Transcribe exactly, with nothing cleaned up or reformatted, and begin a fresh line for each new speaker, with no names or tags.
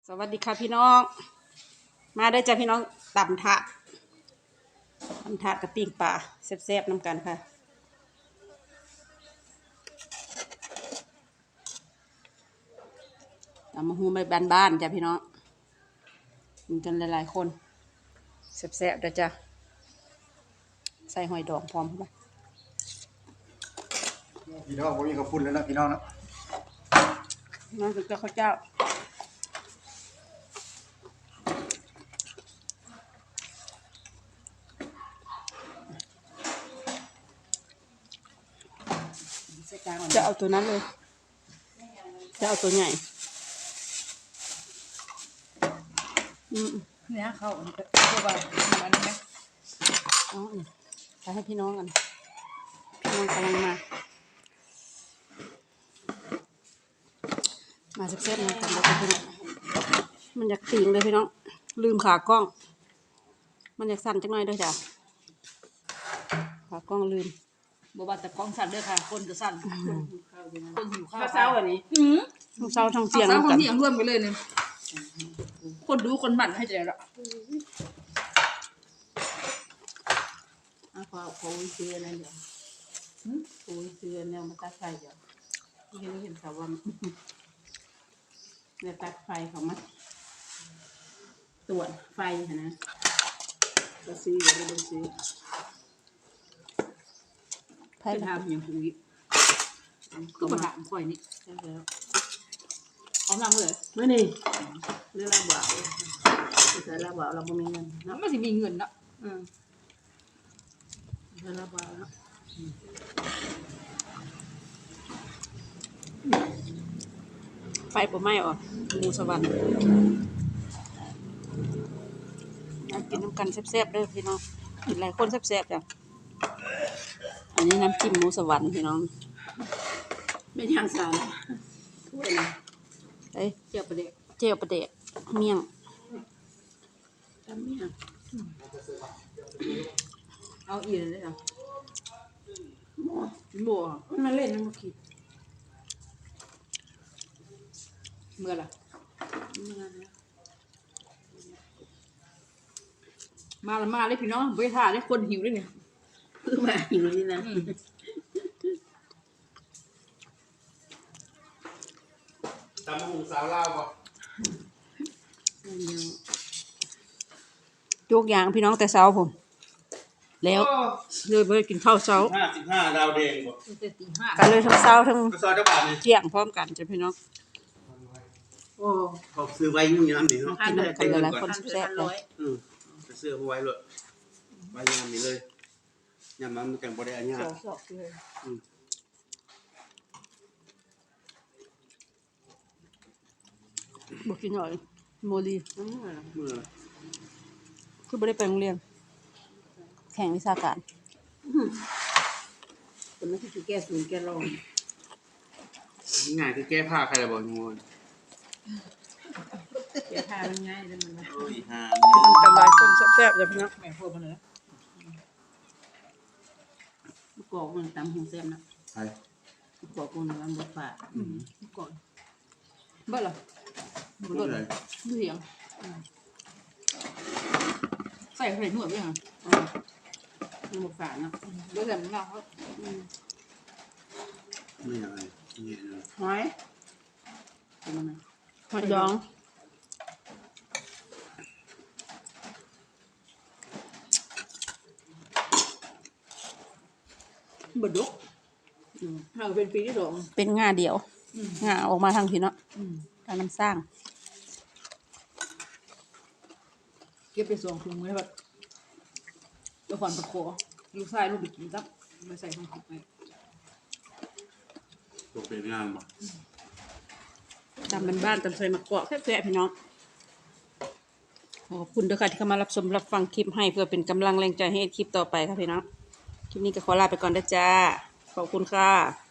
สวัสดีค่ะพี่น้องมาได้จ้ะพี่น้องตำถาดตำถาดกับปิ้งปลาแซ่บๆน้ำกันค่ะตำมะฮูไม่บ้านๆจ้ะพี่น้องกินกันหลายๆคนแซ่บๆเด้อจ้ะใส่หอยดองพร้อมเข้าไป
พี่น้องผมมีข้าวปุ้นแล้วนะพี่น้องนะ
น้องถึงจะข้าวเจ้าจะเอาตัวนั้นเลยจะเอาตัวใหญ่อืม
เนี่ยเขาตัวแบบมันไหม
อ๋อไปให้พี่น้องกันพี่น้องกำลังมามาแซ่บๆนะกันแล้วพี่น้องมันอยากติ่งเลยพี่น้องลืมขากล้องมันอยากสั่นจังหน่อยด้วยจ้ะขากล้องลืม
บอกว่าแต่กล้องสั่นด้วยค่ะคนจะสั่นคนหิวข้าว
เศร้าอันนี้ทั้งเศร้าทั้งเสียง
เศร้าทั้งเสียงร่วมกันเลยเนี่ยคนดูคนหมั่นให้ใจละ
อ่ะพอพอวิเศษนั่นเดี๋ยวพอวิเศษเนี่ยมาตัดไฟเดี๋ยวที่เห็นเห็นเขาว่าเนี่ยตัดไฟเขามาตรวจไฟนะก็ซื้ออย่าไปดูซื้อ
จะทำอย่างคุยก็มาถามค่อยนี่
ใช่แล้ว
เขาทำเลย
ไม่นี่เรื่องระเบาแต่ระเบาเราไม่มีเงินเนาะ
ไม่สิมีเงินนะ
อืมเรื่องระเบาเนาะไฟผมไหม้ออกมูสวรรค์อยากกินน้ำกันแซ่บๆด้วยพี่น้องกินหลายคนแซ่บๆจ้ะอันนี้น้ำจิ้มหมูสวรรค์พี่น้องไม่ทางสารถ้วยนะเอ้ยเจียวประเดะเจียวประเดะเมี่ยงทำเมี่ยง
เอาอีกเลยเหรอ
บัวมันเล่นมันมาคิด
เมื่อไรมาละมาเลยพี่น้องไปถ่ายเลยคนหิวเลยเนี่ย
คือมาหิวนี่นะ
ตำมุงสาวลาวบ่
โยกยางพี่น้องแต่เช้าผมแล้วเลยไปกินข้าวเช้า
ห้าสิบห้าดาวแดงบ่
ตีห้า
กันเลยทั้งเช้าทั้ง
ซอยเจ้าบ่าวนี่
เที่ยงพร้อมกันจ้ะพี่น้อง
โอ้เขาซื้อไว้ยุ่งยามนี่เนาะ
กินกันหลายคนแซ่บเลย
อืมไปซื้อเอาไว้เลยไว้ยามนี่เลยยามมันจังบ่ได้อันยาก
สอกเลย
อืม
บอกกินหน่อยโมลี
เมื่อ
คือไม่ได้ไปโรงเรียนแข่งวิชาการคนนั้นคือแก้ศูนย์แก้รอง
ง่ายคือแก้ผ้าใครล่ะบ่งู
แก้ผ้ามันง่ายเลยมันนะ
โอ้ยหา
กันหลายคนแซ่บๆจ้ะพี่น้อง
แม่พูดมาเลย
กอกมันตำหูแซ่บนะ
ใช่
กอกมันมันบดฝาอืม
ก่อนเบ้อเหรอ
บ่เลย
ดูเสียงใส่ใส่หนวดด้วยเหรอ
มันบดฝาเนาะ
เดี๋ยวแต่มันเงาเขา
นี่อะไรนี่เลย
หอยหอยดอง
บดดกเราเป็นปีที่สอง
เป็นงาเดียวงาออกมาทางพี่เนาะทางน้ำสร้าง
เก็บไปสองถุงไว้แบบเดี๋ยวขวัญตะโขลูกชายลูกไปกินซับมาใส่ถุงไป
ตัวเป็นงานบ่
ตามบ้านๆตามใส่มะกอกแซ่บๆพี่น้องขอบคุณด้วยค่ะที่เข้ามารับชมรับฟังคลิปให้เพื่อเป็นกำลังแรงใจให้คลิปต่อไปค่ะพี่น้องคลิปนี้ก็ขอลาไปก่อนนะจ้าขอบคุณค่ะ